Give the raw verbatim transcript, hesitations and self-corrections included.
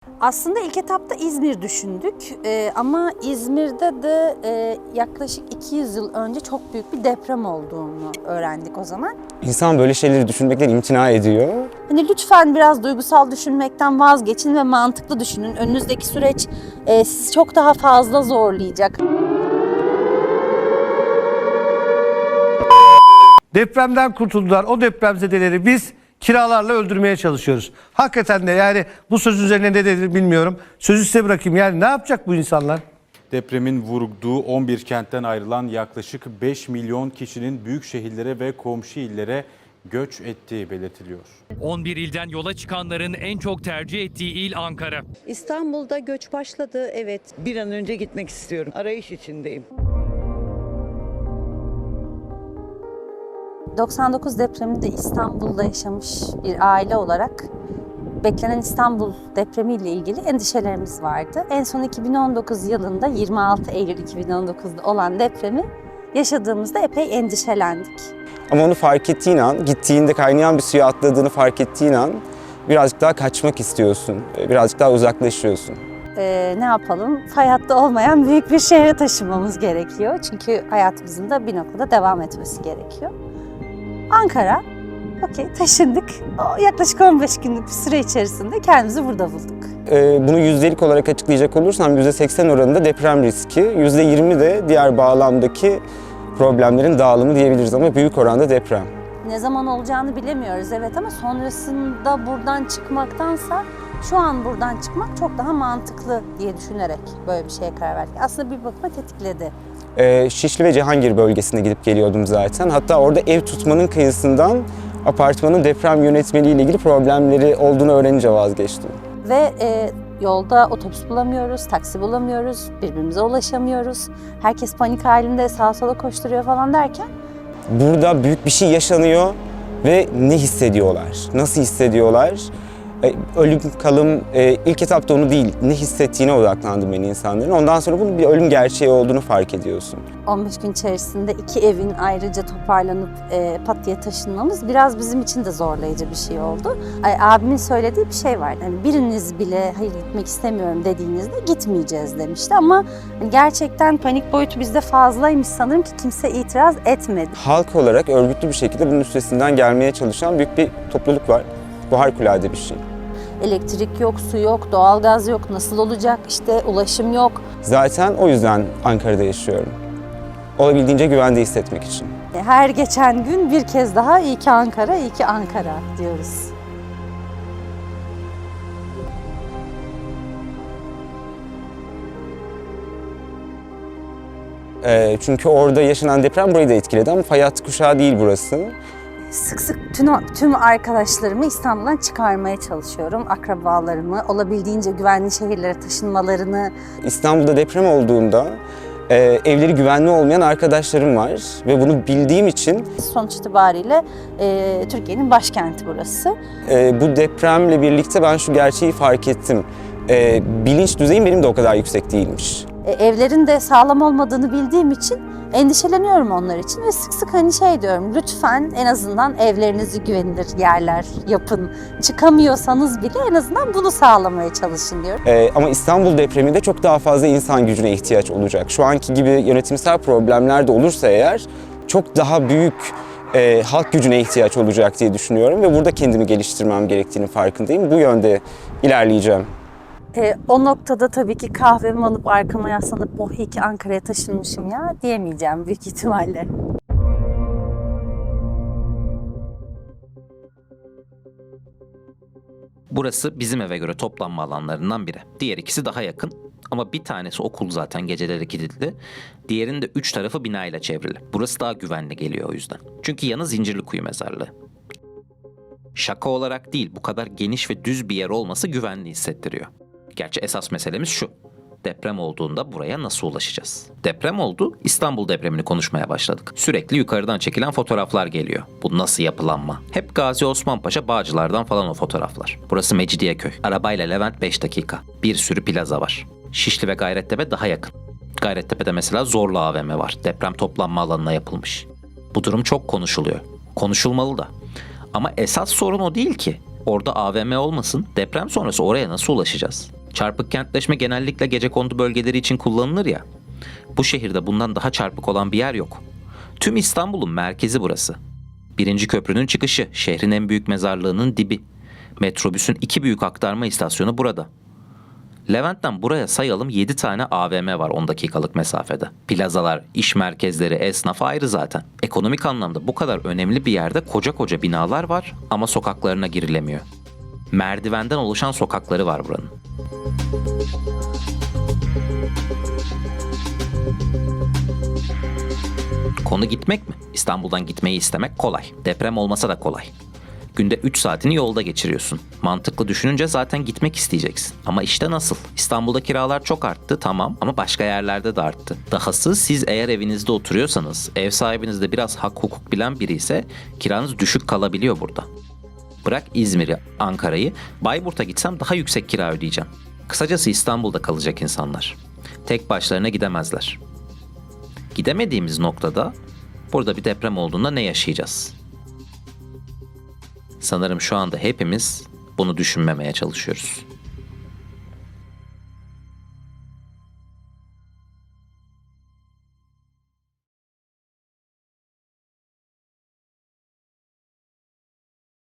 Aslında ilk etapta İzmir düşündük ee, ama İzmir'de de e, yaklaşık iki yüz yıl önce çok büyük bir deprem olduğunu öğrendik o zaman. İnsan böyle şeyleri düşünmekten imtina ediyor. Hani lütfen biraz duygusal düşünmekten vazgeçin ve mantıklı düşünün. Önünüzdeki süreç e, sizi çok daha fazla zorlayacak. Depremden kurtuldular. O depremzedeleri biz kiralarla öldürmeye çalışıyoruz. Hakikaten de yani bu söz üzerine ne dedi bilmiyorum. Sözü size bırakayım. Yani ne yapacak bu insanlar? Depremin vurduğu on bir kentten ayrılan yaklaşık beş milyon kişinin büyük şehirlere ve komşu illere göç ettiği belirtiliyor. on bir ilden yola çıkanların en çok tercih ettiği il Ankara. İstanbul'da göç başladı, evet. Bir an önce gitmek istiyorum. Arayış içindeyim. doksan dokuz depreminde İstanbul'da yaşamış bir aile olarak beklenen İstanbul depremiyle ilgili endişelerimiz vardı. En son iki bin on dokuz yılında yirmi altı Eylül iki bin on dokuz'da olan depremi yaşadığımızda epey endişelendik. Ama onu fark ettiğin an, gittiğinde kaynayan bir suya atladığını fark ettiğin an birazcık daha kaçmak istiyorsun, birazcık daha uzaklaşıyorsun. Ee, ne yapalım? Fay hattı olmayan büyük bir şehre taşınmamız gerekiyor. Çünkü hayatımızın da bir noktada devam etmesi gerekiyor. Ankara, okey taşındık. O yaklaşık on beş günlük bir süre içerisinde kendimizi burada bulduk. Ee, bunu yüzdelik olarak açıklayacak olursam yüzde seksen oranında deprem riski, yüzde yirmi de diğer bağlamdaki problemlerin dağılımı diyebiliriz ama büyük oranda deprem. Ne zaman olacağını bilemiyoruz evet ama sonrasında buradan çıkmaktansa şu an buradan çıkmak çok daha mantıklı diye düşünerek böyle bir şeye karar verdik. Aslında bir bakıma tetikledi. Ee, Şişli ve Cihangir bölgesine gidip geliyordum zaten. Hatta orada ev tutmanın kıyısından apartmanın deprem yönetmeliği ile ilgili problemleri olduğunu öğrenince vazgeçtim. Ve e, yolda otobüs bulamıyoruz, taksi bulamıyoruz, birbirimize ulaşamıyoruz. Herkes panik halinde sağa sola koşturuyor falan derken Burada büyük bir şey yaşanıyor ve ne hissediyorlar, nasıl hissediyorlar? E, Ölüm, kalım, e, ilk etapta onu değil, ne hissettiğine odaklandım ben insanların. Ondan sonra bunun bir ölüm gerçeği olduğunu fark ediyorsun. on beş gün içerisinde iki evin ayrıca toparlanıp e, pat diye taşınmamız biraz bizim için de zorlayıcı bir şey oldu. Ay, abimin söylediği bir şey vardı. Hani biriniz bile hayır gitmek istemiyorum dediğinizde gitmeyeceğiz demişti ama hani gerçekten panik boyutu bizde fazlaymış sanırım ki kimse itiraz etmedi. Halk olarak örgütlü bir şekilde bunun üstesinden gelmeye çalışan büyük bir topluluk var. Bu harikulade bir şey. Elektrik yok, su yok, doğalgaz yok, nasıl olacak, işte ulaşım yok. Zaten o yüzden Ankara'da yaşıyorum. Olabildiğince güvende hissetmek için. Her geçen gün bir kez daha iyi ki Ankara, iyi ki Ankara diyoruz. E, çünkü orada yaşanan deprem burayı da etkiledi ama fay hattı kuşağı değil burası. Sık sık tüm, tüm arkadaşlarımı İstanbul'dan çıkarmaya çalışıyorum. Akrabalarımı, olabildiğince güvenli şehirlere taşınmalarını. İstanbul'da deprem olduğunda e, evleri güvenli olmayan arkadaşlarım var ve bunu bildiğim için Sonuç itibariyle e, Türkiye'nin başkenti burası. e, bu depremle birlikte ben şu gerçeği fark ettim. E, bilinç düzeyim benim de o kadar yüksek değilmiş. E, evlerin de sağlam olmadığını bildiğim için endişeleniyorum onlar için ve sık sık hani şey diyorum, lütfen en azından evlerinizi güvenilir yerler yapın. Çıkamıyorsanız bile en azından bunu sağlamaya çalışın diyorum. E, ama İstanbul depreminde çok daha fazla insan gücüne ihtiyaç olacak. Şu anki gibi yönetimsel problemler de olursa eğer çok daha büyük e, halk gücüne ihtiyaç olacak diye düşünüyorum ve burada kendimi geliştirmem gerektiğinin farkındayım. Bu yönde ilerleyeceğim. E, o noktada tabii ki kahvemi alıp arkama yaslanıp oh iyi ki Ankara'ya taşınmışım ya diyemeyeceğim büyük ihtimalle. Burası bizim eve göre toplanma alanlarından biri. Diğer ikisi daha yakın ama bir tanesi okul zaten geceleri kilitli. Diğerinin de üç tarafı binayla çevrili. Burası daha güvenli geliyor o yüzden. Çünkü yanı Zincirlikuyu mezarlığı. Şaka olarak değil, bu kadar geniş ve düz bir yer olması güvenli hissettiriyor. Gerçi esas meselemiz şu. Deprem olduğunda buraya nasıl ulaşacağız? Deprem oldu, İstanbul depremini konuşmaya başladık. Sürekli yukarıdan çekilen fotoğraflar geliyor. Bu nasıl yapılanma? Hep Gazi Osman Paşa, Bağcılar'dan falan o fotoğraflar. Burası Mecidiyeköy. Arabayla Levent beş dakika. Bir sürü plaza var. Şişli ve Gayrettepe daha yakın. Gayrettepe'de mesela Zorlu A V M var. Deprem toplanma alanına yapılmış. Bu durum çok konuşuluyor. Konuşulmalı da. Ama esas sorun o değil ki. Orada A V M olmasın, deprem sonrası oraya nasıl ulaşacağız? Çarpık kentleşme genellikle gecekondu bölgeleri için kullanılır ya. Bu şehirde bundan daha çarpık olan bir yer yok. Tüm İstanbul'un merkezi burası. Birinci köprünün çıkışı, şehrin en büyük mezarlığının dibi. Metrobüsün iki büyük aktarma istasyonu burada. Levent'ten buraya sayalım yedi tane A V M var on dakikalık mesafede. Plazalar, iş merkezleri, esnaf ayrı zaten. Ekonomik anlamda bu kadar önemli bir yerde koca koca binalar var ama sokaklarına girilemiyor. Merdivenden oluşan sokakları var buranın. Konu gitmek mi? İstanbul'dan gitmeyi istemek kolay. Deprem olmasa da kolay. Günde üç saatini yolda geçiriyorsun. Mantıklı düşününce zaten gitmek isteyeceksin. Ama işte nasıl? İstanbul'da kiralar çok arttı tamam ama başka yerlerde de arttı. Dahası siz eğer evinizde oturuyorsanız, ev sahibiniz de biraz hak hukuk bilen biri ise kiranız düşük kalabiliyor burada. Bırak İzmir'i, Ankara'yı, Bayburt'a gitsem daha yüksek kira ödeyeceğim. Kısacası İstanbul'da kalacak insanlar. Tek başlarına gidemezler. Gidemediğimiz noktada burada bir deprem olduğunda ne yaşayacağız? Sanırım şu anda hepimiz bunu düşünmemeye çalışıyoruz.